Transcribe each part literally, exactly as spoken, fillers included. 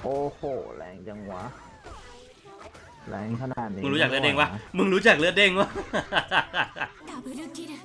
โอ้โหแรงจังวะแรงขนาดนี้มึงรู้จักเลือดเด้งปะมึงรู้จักเลือดเด้งปะダブルキル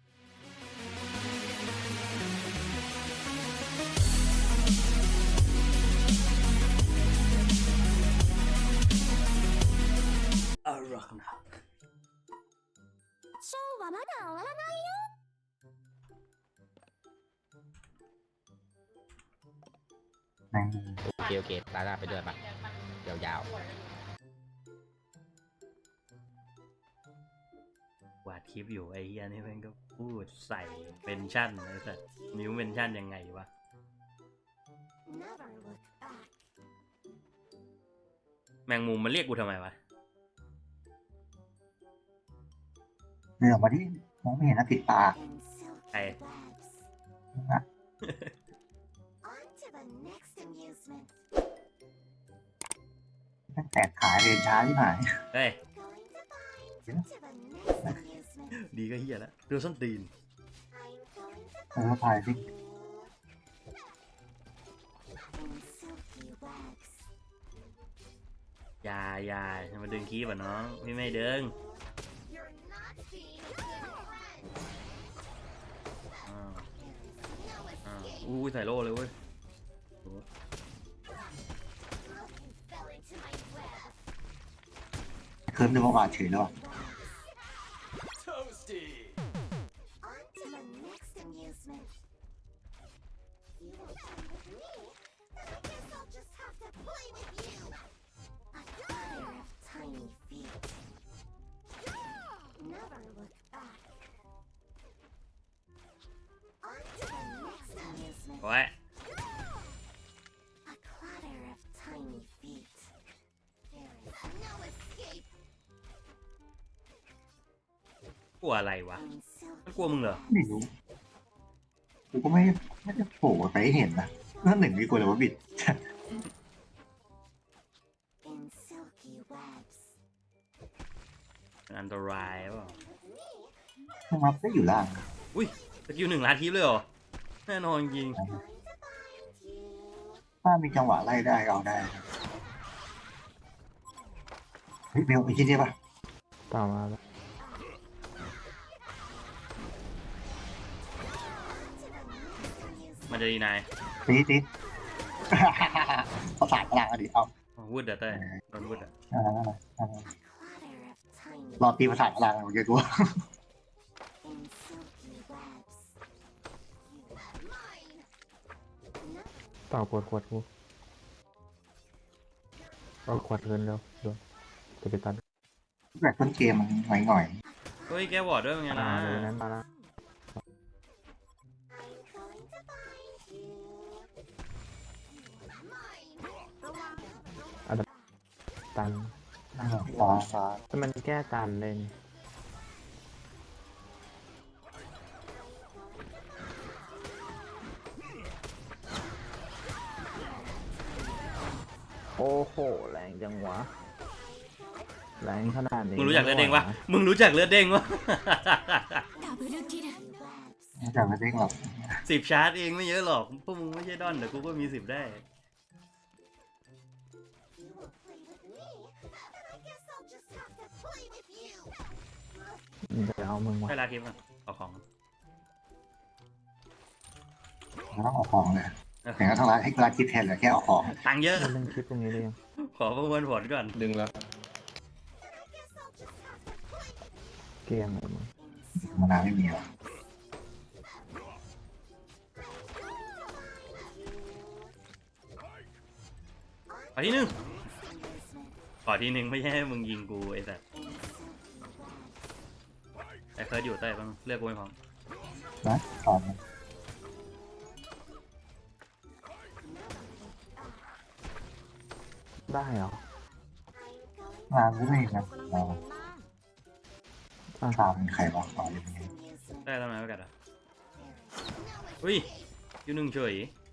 อร่อยนะショーはまだ終わらないよโอเคโอเคตาหน้าไปด้วยปะยาววาดคลิปอยู่ไอ้เฮียนี่แม่งก็พูดใส่เมนชั่นไอ้สัสนิ้วเมนชั่นยังไงวะ Never look back แมงมุมมันเรียกกูทำไมวะเดินออกมาที่มองไม่เห็นนะติดตา in silky Hey. webs นะ On to the next amusement ตั้งแต่ขายเรียนช้าที่หายเฮ้ย Going to bind to the next amusement ดีก็เฮียแล้วดูส้นตีน I'm going to เออถ่ายที่ in silky webs อยาอยาจะมาดึงคีบอ่ะน้องพี่ไม่ดึง You're not being a good friend อ้าว There is no อ้าว escape อู้ยใส่โล่เลยเว้ย You fell into my web เคิร์ฟนึกว่าบาดเฉยแล้วอะ On to the next amusement. You will play with me, then I guess I'll just have to play with you. A pair of tiny feet. Never look back. On to the next amusement. โอ้ย A clatter of tiny feet. There is no escape กลัวอะไรวะ in มัน silky กลัวมึงเหรอไม่รู้กูก็ไม่ไม่ได้โผล่ไปให้เห็นนะนั่นหนึ่งมีกูเลยว่าบิด in silky webs. อันตรายเปล่าทำไมได้อยู่ล่างอุ้ยสกิลหนึ่งล้านทิปเลยเหรอแน่นอนจริง Going to bind you. ถ้ามีจังหวะไล่ได้เอาได้เฮ้ยเบลไอ้ที่นี่ปะต่อมาแล้วมันจะดีนายตีตี ประสานพลังอะดิเอาวูดเดอร์เต้โดนวูดอ่ะอ่าอ่า A clatter of tiny รอตีประสานพลังเมื่อกี้กู in silky webs. You are mine. ต่อขวดขวดกูเอาขวดเงินแล้วเดี๋ยวจะไปตัดแบบต้นเกมมันหน่อยหน่อยเฮ้ยแกวอร์ดด้วยเป็นไงอ่านะเดี๋ยวนั้นมาแล้ว I'm going to bind you. You are mine. ตันๆอ่าฟ้าฟ้าแต่มันแก้ตันเลยนี่โอ้โหแรงจังวะแรงขนาดนี้มึงรู้จักเลือดเด้งปะมึงรู้จักเลือดเด้งปะダブルキルไม่จะไม่เด้งหรอกสิบชาร์จเองไม่เยอะหรอกพวกมึงไม่ใช่ดอนแต่กูก็มีสิบได้ You will play with me, then I guess I'll just have to play with you. เดี๋ยวเอามึงมาให้ลาคลิปก่อนเอาของไม่ต้องเอาของเลยแต่ก็ทั้งร้านให้ร้านคิดแทนเลยแค่เอาของตังค์เยอะเล่นคลิปตรงนี้ได้ยังขอประมวลผลก่อนดึงแล้ว Then I guess I'll just have to play เกมเลยมึงมานานไม่มีหรอกขอที่หนึ่งขอที่หนึ่งไม่ใช่ให้มึงยิงกูไอ้สัสไอ้เคิร์ดอยู่ใต้บ้างเลือกกูไม่พร้อมนะของได้เหรอร้านก็ไม่นะเราอ่ะตามใครวะอ๋อยังไงได้ทำไมไม่กัดอ่ะอุ้ยอยู่หนึ่งเฉย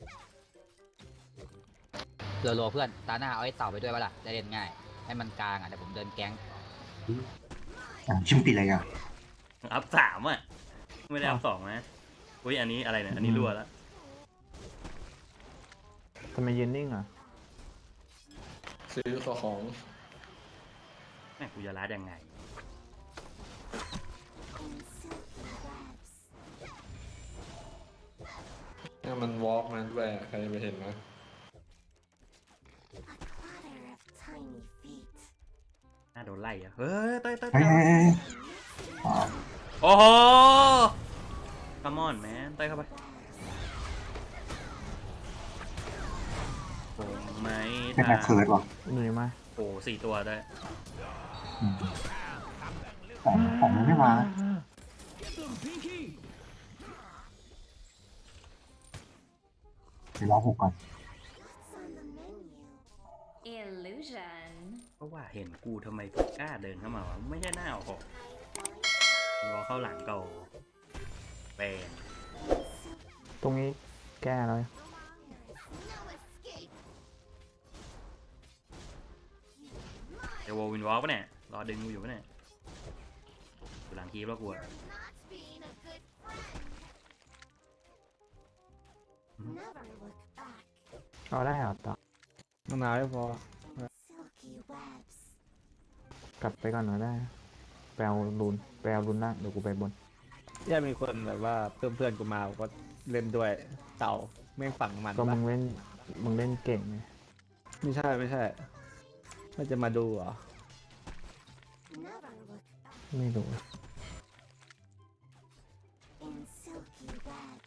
โลโลเพื่อนตาหน้าเอาไอ้เต่าไปด้วยปะล่ะได้เล่นง่าย ให้มันกลางอ่ะแต่ผมเดินแก๊งอ่ะชิมติดอะไรกันอัพสามอ่ะไม่ได้อัพสองนะอุ้ยอันนี้อะไรเนี่ยอันนี้รั่วแล้วทำไมยืนนิ่งอ่ะซื้อของแม่งกูจะรัดยังไง in silky webs. เนี่ยมันวอล์กมาด้วยใครจะไปเห็นนะ A clatter of tiny feet. น่าโดนไล่อะเฮ้ยเต้ยเต้ยเฮ้เต้ยยเฮ้ยเฮ้ยอ๋อโอ้โห come on man เต้ยเข้าไปผมไม่เป็นทัแม็กเคิร์ดนว่ะเหนื่อยไหมโอ้สี่ตัวได้อืมของของยังไม่มาเดี๋ยวรอหกก่อน What's on the menu? Illusion. เพราะว่าเห็นกูทำไมกล้าเดินเข้ามาวะไม่ใช่หน้าออกรอเข้าหลังเก่าเป็นตรงนี้แก้แล้ว There is no escape. เดววินวอล์กปะเนี่ยรอดึงกูอยู่ปะเนี่ยอยู่หลังคีบแล้วกูอะ You're not being a good friend. Never look back. เอาได้เหรอต่อมะนาวไม่พอ Silky webs. กลับไปก่อนหน่อยได้ แปลรุนแปลรุนล่างเดี๋ยวกูไปบนย่ามีคนแบบว่าเพื่อนเพื่อนๆกูมาก็เล่นด้วยเต่าแม่งฝังมันก็ปะมึงเล่น มึงเล่นเก่งไงไม่ใช่ไม่ใช่มันจะมาดูเหรอ Never look back. ไม่รู้ In silky webs.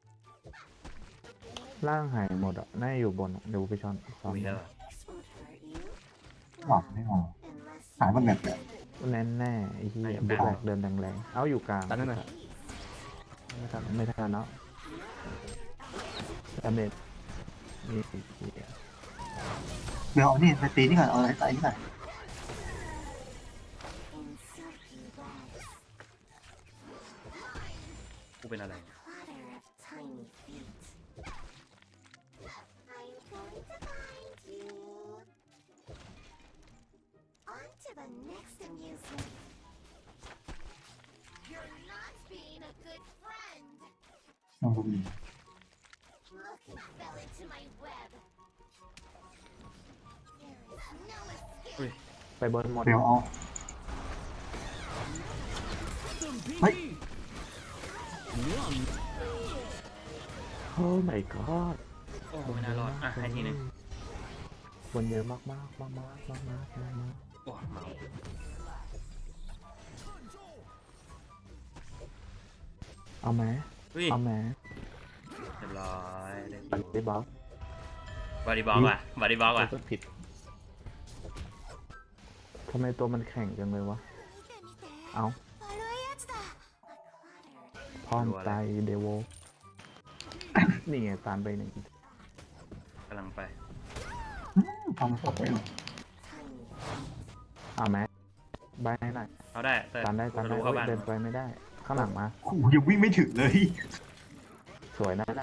ล่างหายหมดอ่ะ น่าจะอยู่บนอะเดี๋ยวกูไปช้อนซ้อมคุยแล้วอะ This won't hurt you. หลับไม่มา Unless หายมันแบบแบบแน่แน่ๆไอ้ที่ไม่อยู่บุกกลางแหลกเดินแรงๆ เอาอยู่กลางตอนนั้นน่ะไม่ทันไม่ทันเนาะดาเมจมีสี่ทีเดี๋ยวเอานี่ไปตีนี่ก่อนเอาอะไรใส่นี่ก่อน in silky webs. กูเป็นอะไร Clatter of tiny feet. I'm going to find you. On to the next amusement. You're not being a good friend. น้องดูดี Look who fell into my web. There is no escape. อุ้ยไปบนหมดเดี๋ยวเอาเฮ้ยโอ้ my god โอ้ไม่น่ารอดอ่ะให้ทีหนึงคนเยอะมากมากมากมากมากมากมากมากโอ้เมาเอาไหมอุ้ยเอาไหมเรียบร้อยได้ปัดได้บล็อกบอดี้บล็อกว่ะบอดี้บล็อกว่ะก็ผิดทำไมตัวมันแข็งจังเลยวะ เอา悪いやつだ。A clatter. พร้อมตายเดโว นี่ไงตามไปหนึ่งกำลังไปทำสดไม่หรอ Tiny. เอาไหมใบให้หน่อยเอาได้แต่ตามได้ตามจะได้รู้เข้าเฮ้ยบ้านเดินไปไม่ได้ ข้างหลังมาโอ้โหยังวิ่งไม่ถึงเลยสวยนั่นแหละ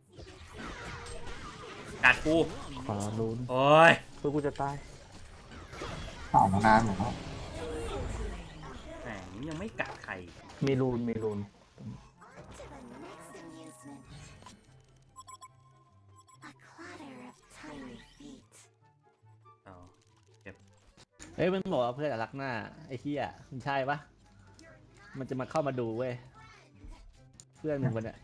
กัดกูขอรุนโอ้ยเพื่อกูจะตายเปล่ามานานหรอแหมยังไม่กัดใครมีรูนมีรูน On to the next amusement. A clatter of tiny feet. เอาเอ้ยมันบอกว่าเพื่อนอะรักหน้าไอ้เหี้ยมันใช่ปะมันจะมาเข้ามาดูเว้ยเพื่อนมึงคนเนี้ย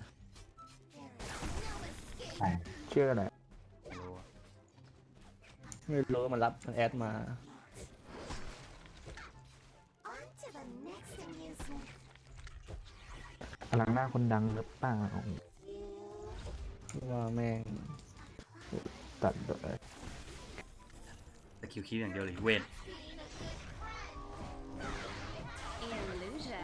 ใช่เชื่ออะไรไม่รู้อะไม่รู้มันรับมันแอดมา On to the next amusement. พลังหน้าคนดังหรือเปล่าว่าแม่งตัดเลยแต่คิวคิวอย่างเดียวเลยเวน Illusion.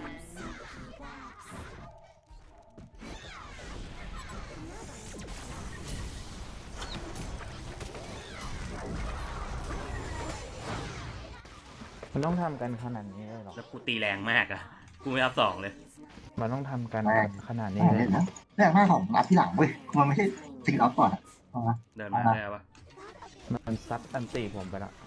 มันต้องทำกันขนาดนี้เลยเหรอแล้วกูตีแรงมากอะกูไม่รับสองเลยมันต้องทำกันขนาดนี้ไม่เลเล่ยนนะแรกหน้าของอัพที่หลังเว้ยมันไม่ใช่สิ่งอัพก่อนอะเอามาเดินมาได้ปะมันซัดอันตีผมไปแล้ว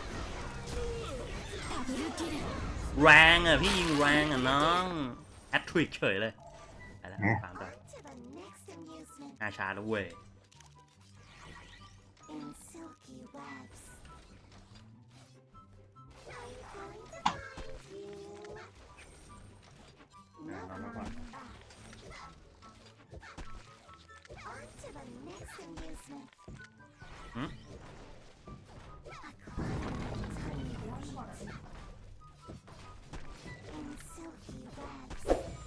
แรงอะพี่ยิงแรงอะน้องแอตทริกเฉยเลยไปแล้วตามต่อ On to the next amusement. อาชาแล้วเว้ย In silky webs. มากกว่า On to the next amusement. หืม In silky webs.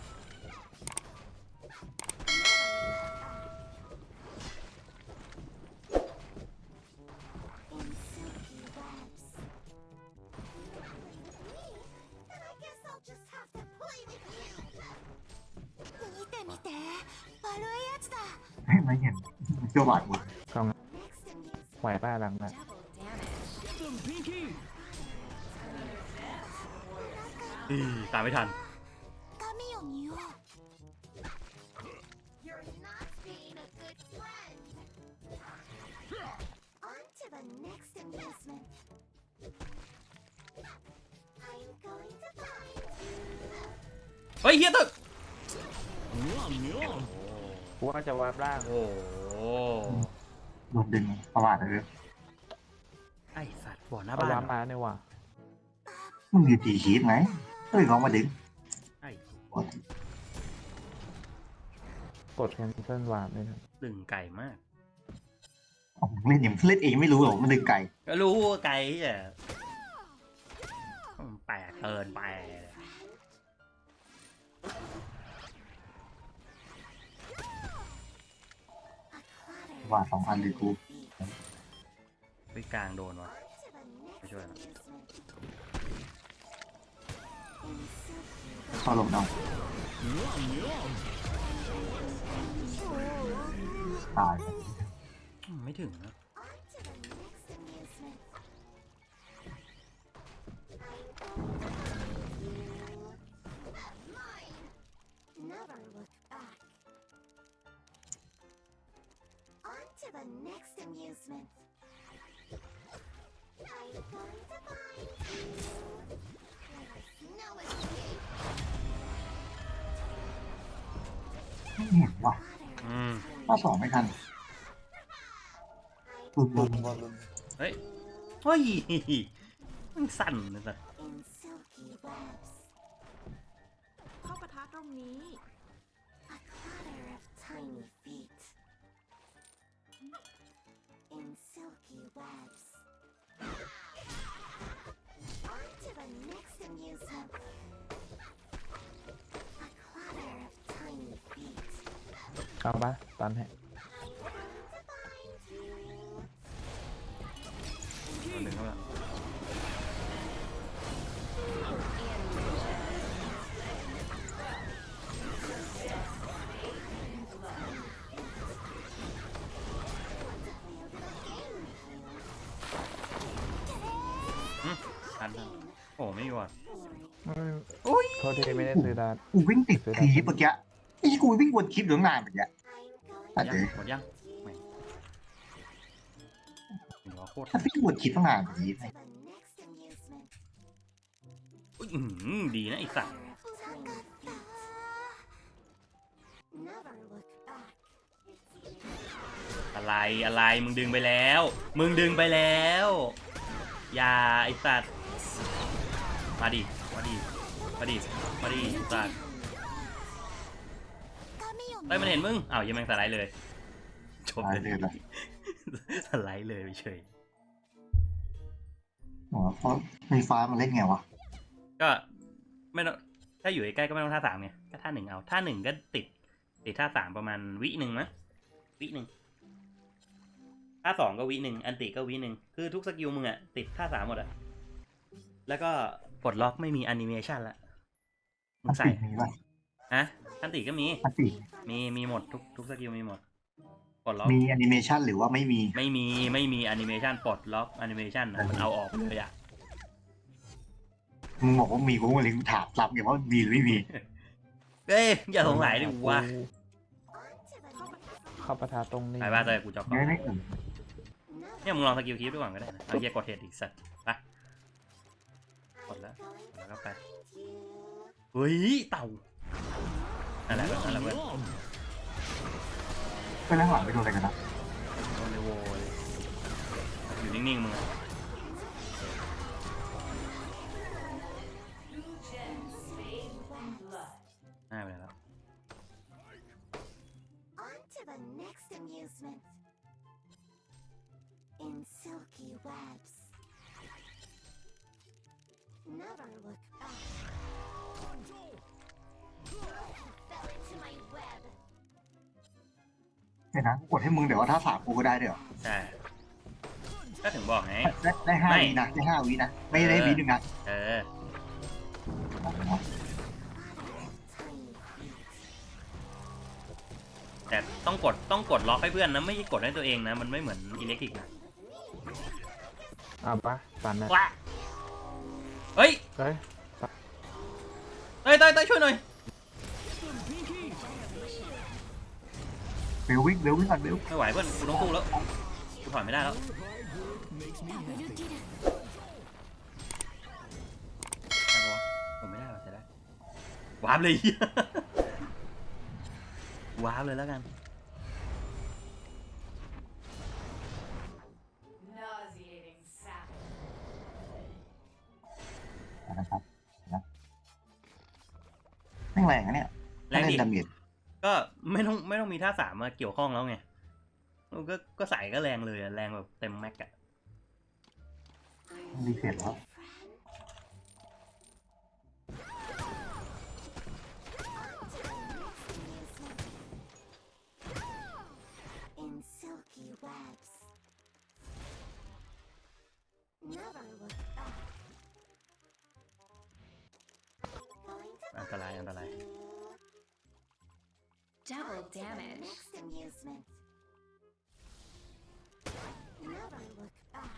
In silky webs. Then I guess I'll just have to play with you. 見て見て、悪いやつだ。 เฮ้ยไม่เห็นเจ้าบาดหมดสอง Next amusement. ไหวป้าหลังน่ะ Double damage. อีตามไม่ทัน髪を見よう。You're not being a good friend. On to the next amusement. I'm going to find you. เฮ้ยเฮียตึกกูว่าจะวาร์ปล่างโอ้โหโดนดึงประวัติเลยไอสัตว์บ่อหน้าเอาบ้านวาร์ปมาเนี่ยว่ะมึงอยู่ตีคีบไหมเฮ้ยลองมาดึงไอ้กดแคนเซิลวาร์ปเลยนะดึงไก่มากอ๋อมึงเล่นยังเล่นเองไม่รู้หรอกมันดึงไก่ก็รู้ว่าไก่อ่ะมันแปลกเกินไปว่าสองอันเลยกูไปกลางโดนวะ On to the next Sure. amusement. In silky เข้าลงเอาตายอืมไม่ถึงนะ On to the next amusement. Mine. Never look back. On to the next amusement. I'm going to find you. There's no escape. ไม่เห็นว่ะอืมข้อสองไม่ทันลุมลุมเฮ้ย เฮ้ย มันสั่นเลยสัตว์ In silky webs. เข้าปะทะตรงนี้ A clatter of tiny feet. In silky webs. On to the next amusement. A clatter of tiny feet. เอาปะตันให้เอาหนึ่งเข้ามา อืมทันทันโอ้ไม่มีวอด โอ้ยโทษทีไม่ได้ซื้อดาร์กูวิ่งติดคีบเมื่อกี้ไอ้กูวิ่งวนคลิปอยู่ตั้งนานเมื่อกี้ I'm ตัด going เลยหมดยังไม่เดี๋ยวโคตรถ้าวิ่งวนคลิปตั้งนานแบบนี้ to the next amusement. อุ๊ยอื้อหือดีนะไอ้สัตว์ Clatter of tiny feet. Never look back. อะไรอะไรมึงดึงไปแล้ว มึงดึงไปแล้ว อย่าไอ้สัตว์มาดิมาดิมาดิมาดิไอ้สัตว์เฮ้ยมันเห็นมึงอ้าวยังแม่งสไลด์เลยจบตายเลเลย ยละสไลด์เลยเฉยอ๋อเพราะไฟฟ้ามันเล่นไงวะก็ไม่ต้องถ้าอยู่ใกล้ๆก็ไม่ต้องท่าสามไงก็ท่าหนึ่งเอาท่าหนึ่งก็ติดติดท่าสามประมาณวิหนึ่งมั้ยวิหนึ่งท่าสองก็วิหนึ่งอันติก็วิหนึ่งคือทุกสกิลมึงอะติดท่าสามหมดอะแล้วก็ปลดล็อกไม่มีแอนิเมชันละมึอังนใส่ติมีป่ะฮะอันติก็มีอันติมีมีหมดทุกทุกสกิลมีหมดปลดล็อกมีแอนิเมชันหรือว่าไม่มีไม่มีไม่มีแอนิเมชันปลดล็อกแอนิเมชันอะมันเอาออกไปเลยอะมึงบอกว่ามีกูก็เลยถามรับไงว่ามีหรือไม่มีเอ้ยอย่าสงสัยดิวะเข้าปะทะตรงนี้ไปบ้านเลยกูจะก่อนไม่ได้อื่นเนี่ยมึงลองสกิลคีฟดูก่อนก็ได้นะเอาเฮียกดเฮดอีกสัตว์ไปกดแล้วแล้วก็ไปเฮ้ยเต่านั่นแหละนั่นแหละเพื่อนไปนั่งหลังไปโดนอะไรกันนะโดนเลโวเลยอยู่นิ่งๆมึงอะหน้าไปแล้ว amusement. In silky webs. Never look back. Fell into my web. เดี๋ยวนะกดให้มึงเดี๋ยวว่าถ้าสามกูก็ได้เดี๋ยวใช่ก็ถึงบอกไงได้ได้ห้าไม่วินะได้ห้าวินะไม่ได้วิหนึ่งนะเออ แต่ต้องกดต้องกดล็อกให้เพื่อนนะไม่ใช่กดให้ตัวเองนะ มันไม่เหมือนอิเล็กทริกนะเอาปะตันนะว้าเฮ้ยเฮ้ยเต้ยเต้ยเต้ยช่วยหน่อยเบลวิ่งเบลวิ่งก่อนเบลไม่ไหวเพื่อนกูต้องสู้แล้วกูถอยไม่ได้แล้วได้ปะวะผมไม่ได้หรอจะได้วาร์ปเลย วาร์ปเลยแล้วกันนะครับนะแม่งแรงนะเนี่ยแรงดิเล่นดาเมจก็ไม่ต้องไม่ต้องมีท่าสามมาเกี่ยวข้องแล้วไงก็ก็ใส่ก็แรงเลยอะแรงแบบเต็มแม็กอะรีเฟรชแล้ว In silky webs. Never look back. Going to อันตรายอันตราย Double damage. Next amusement. Never look back.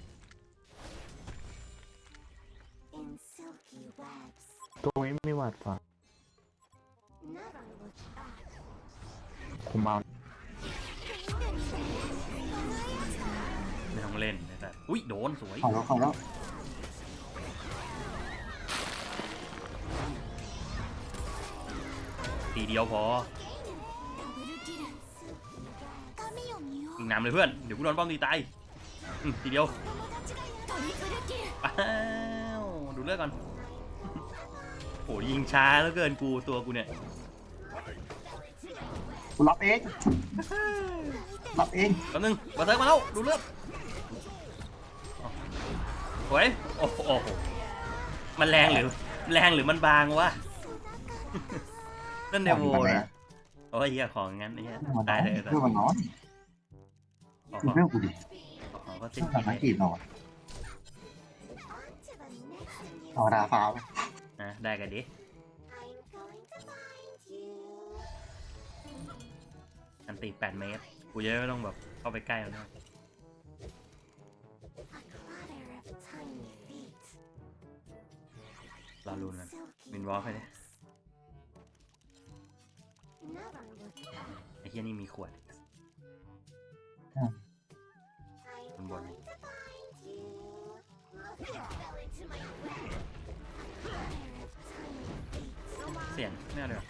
In silky webs. ตรงนี้ไม่หวัดฝัง Never look back. คุมเอาไม่ต้องเล่นนะแต่อุ้ยโดนสวยขอแล้วขอแล้วทีเดียวพอยิงน้ำเลยเพื่อนเดี๋ยวกูโดนป้อมตีตายอืมทีเดียวอ้าวดูเลือดก่อนโอ้ยิงช้าแล้วเกินกูตัวกูเนี่ยกูรับเองรับเองแป๊บนึงมาเซิร์ฟมาแล้วดูเลือดโอ้ยโอ้โหโอ้โหมันแรงหรือแรงหรือมันบางวะ นั่นเดโวนะโอ้ยเฮียของงั้นไอ้เฮียเพื่อนมันตายน้อยเลยแต่เพื่อนมันน้อยของดูเรื่องกูดิของก็เพื่สิ้อน นกิมันนนักกีเลยฬา On to the next amusement. ธรรมดาฟ้านะได้กันดิ I'm going to find you. อันตีแปดเมตรกูจะไม่ต้องแบบเข้าไปใกล้มันนะ A clatter of tiny feet. รอรุนกัน Silky วินวอล์กไปดิ webs. Never look back. ไอ้เฮียนี่มีขวด I'm Con buồn này. going to find you. Fell into my web. A clatter of tiny feet. เสียงไม่เอาเลยเหรอ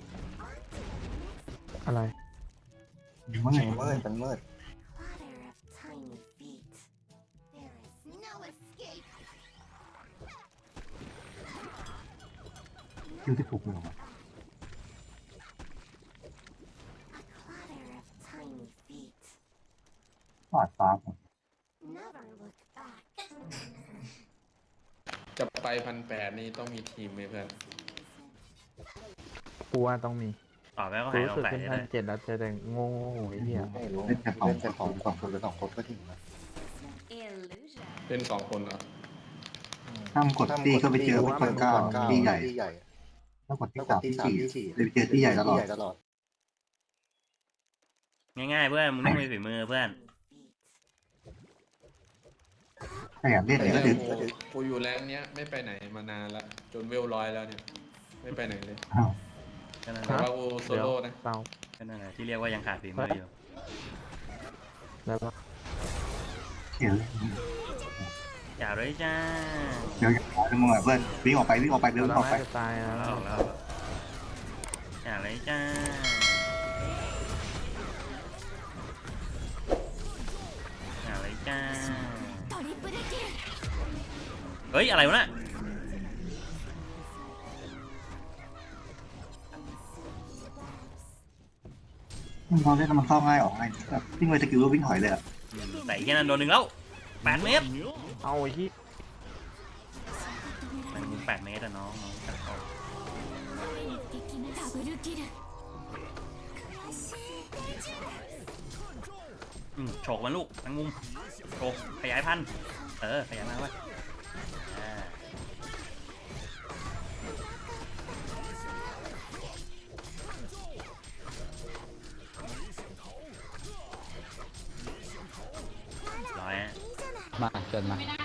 อะไรเมื่อยเมื่อยเป็นเมื่อย Clatter of tiny feet. There is no escape. คิวที่ถูกมือมา A clatter of tiny feet. ฟาดฟ้าผม Never look back. จะไปพันแปดนี่ต้องมีทีมไหมเพื่อนกูว่าต้องมีต่อไปก็กูหายรู้สงสึกสัยเป็นเลพันยเจ็ดแล้วเจอแต่โง่ไอ้เหี้ยไม่รู้เล่นแต่สองคนสองสองคนหรือสองคนก็ถึงนะ Illusion. เป็นสองคนเหรอถ้ามกดตีก็ไปเจอพวกคนเก้าตีใหญ่ถ้ากดที่สามที่สี่เลยไปเจอที่ใหญ่ตลอดง่ายๆเพื่อนมึงต้องมีฝีมือเพื่อนถ้าอยากเล่นเนี่ยก็แต่ดึกกูกูอยู่แรงเนี้ยไม่ไปไหนมานานละจนเวลร้อยแล้วเนี่ย ไม่ไปไหนเลยอ้าวก็นั่นแหแต่ละว่ากูโซเดี๋ยวโล่นะเตาก็นั่นแหละที่เรียกว่ายังขาดฝีมืออยู่แล้วก็เดี๋ยวอย่าเลยจ้าเดี๋ยวจะมึงอ่ะเพื่อนวิ่งออกไปวิ่งออกไปเดินเราออกไปน่าจะตายแล้เอาวแล้วอย่าเลยจ้าอย่าเลยจ้าเฮ้ยอะไรวะน่ะตอนเล่นแล้วมันเข้าง่ายออกง่ายแบบวิ่งไปสกิลแล้ววิ่งถอยเลยอะอืมแต่อีกแค่นั้นโดนหนึ่งแล้วแปดเมตรเอาไอ้ที่มันแปดเมตรอะน้องน้องตัดต่อダブルキルอืมโฉกมันลูกทั้งมุมโฉกขยายพันธุ์เออขยายมาไว้อ่าร้อยฮะมาจนมา